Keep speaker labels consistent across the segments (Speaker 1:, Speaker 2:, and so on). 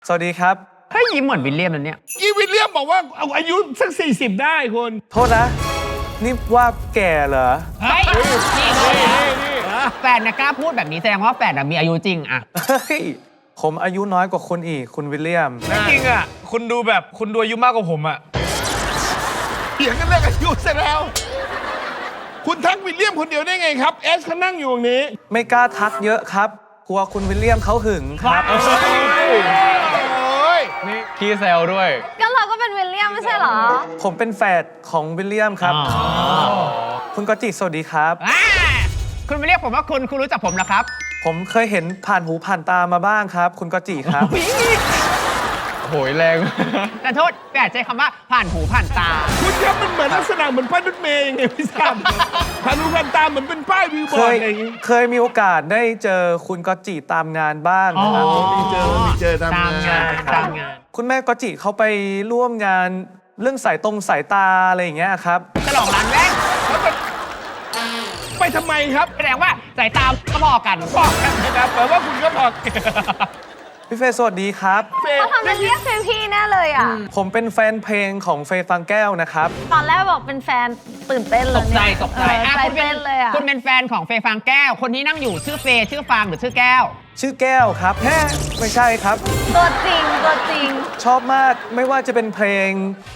Speaker 1: สวัสดีครับ
Speaker 2: เฮ้ยยิ้มเหมือนวิลเลียมนั่นเนี่ย
Speaker 3: อีวิลเลียมบอกว่าเอาอายุสัก40ได้คุณ
Speaker 1: โทษนะ นี่ว่าแก่เหรอ
Speaker 2: เฮ้ยนี่แฟนนะกล้าพูดแบบนี้แสดงว่าแฟนมีอายุจริงอะ
Speaker 1: เฮ้ย ผมอายุน้อยกว่าคุณอีก คุณวิลเลียม
Speaker 4: จริงอ่ะคุณดูอายุมากกว่าผมอ่ะ
Speaker 3: เถียงกันเรื่องอายุเสร็จแล้ว คุณทักวิลเลียมคนเดียวได้ไงครับเอสเขานั่งอยู่ตรงนี้
Speaker 1: ไม่กล้าทักเยอะครับ กลัวคุณวิลเลียมเขาหึงครับ
Speaker 3: โอ้ย
Speaker 4: นี่พี่แซวด้วย
Speaker 5: ก็เราก็เป็นวิลเลียมไม่ใช่เหรอ
Speaker 1: ผมเป็นแฝดของวิลเลียมครับ คุณกอจิสวัสดีครับ
Speaker 2: คุณไม่เรียกผมว่าคุณรู้จักผมเหรอครับ
Speaker 1: ผมเคยเห็นผ่านหูผ่านตามาบ้างครับ คุณกอจิครับ
Speaker 4: โหยแรง
Speaker 2: แต่โทษแต่ใช้คำว่าผ่านหูผ่านตา
Speaker 3: คุณครับมันเหมือนลักษณะเหมือนป้ายรถเมย์ยังไงไม่ทราบผ่านหูผ่านตาเหมือนเป็นป้ายวิวบ
Speaker 1: เค
Speaker 3: อร์ด
Speaker 1: ย
Speaker 3: อะไรอย่างงี้
Speaker 1: เคยมีโอกาสได้เจอคุณกอจิตามงานบ้างนะครับ
Speaker 3: มีเจอทำ
Speaker 2: ตามงาน
Speaker 3: ค
Speaker 2: ตา
Speaker 3: รับ
Speaker 2: มงาน
Speaker 1: คุณแม่กอจิเขาไปร่วมงานเรื่องสายตาอะไรอย่างเงี้ยครับ
Speaker 2: ฉลองร้านแรก
Speaker 3: ไปทำไมครับ
Speaker 2: แสดงว่าสายตาก็พอกัน
Speaker 3: บอกกันนะครับแปลว่าคุณก็บอก
Speaker 1: พี่เฟย์สวัสดีครับ
Speaker 3: เฟย์
Speaker 5: เขาทำเป็นเรียกเฟย์พี่แน่เลยอ่ะ
Speaker 1: ผมเป็นแฟนเพลงของเฟย์ฟังแก้วนะครับ
Speaker 5: ตอนแรกบอกเป็นแฟนตื่นเต้นเล
Speaker 2: ต
Speaker 5: ย
Speaker 2: กใจ
Speaker 5: เนี่ย
Speaker 2: ตกใจ
Speaker 5: ใจ
Speaker 2: คุณเป็
Speaker 5: เต้
Speaker 2: น
Speaker 5: นเลยอ่ะ
Speaker 2: คุณเป็นแฟนของเฟย์ฟางแก้ว คนที่นั่งอยู่ชื่อเฟย์ชื่อฟางหรือชื่อแก้ว
Speaker 1: ชื่อแก้วครับแฮ่ไม่ใช่ครับ
Speaker 5: ตัวจริงตัวจริง
Speaker 1: ชอบมากไม่ว่าจะเป็นเพลง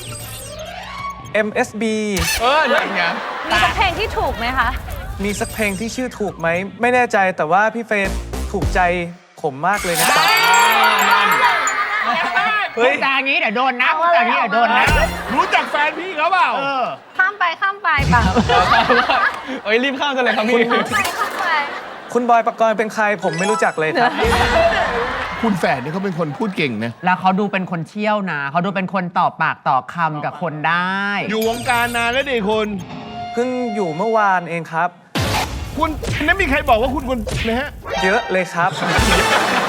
Speaker 1: MSB
Speaker 4: อย่างเงี้ย
Speaker 5: มีสักเพลงที่ถูกไหมคะ
Speaker 1: มีสักเพลงที่ชื่อถูกไหม ไม่แน่ใจแต่ว่าพี่เฟย์ถูกใจผมมากเลยนะครับ
Speaker 2: เฮ้ยจางี้เดี๋ยวโดนนะพูดจางี้เดี๋ยวโดนนะ
Speaker 3: รู้จักแฟนพี่เขาเปล่า
Speaker 5: ข้ามไปป่ะ
Speaker 4: เอ้ยรีบข้ามกันเลยครับพี่
Speaker 5: ข้ามไป
Speaker 1: คุณบอยปกรณ์เป็นใครผมไม่รู้จักเลยครับ
Speaker 3: คุณแฝดนี่เขาเป็นคนพูดเก่งนะ
Speaker 2: แล้วเขาดูเป็นคนเชี่ยวนะเขาดูเป็นคนต่อปากต่อคำกับคนได้
Speaker 3: อยู่วงการนานแล้วดิคุณ
Speaker 1: เพิ่งอยู่เมื่อวานเองครับ
Speaker 3: คุณนั้นมีใครบอกว่าคุณนะฮะ
Speaker 1: เยอะเลยครับ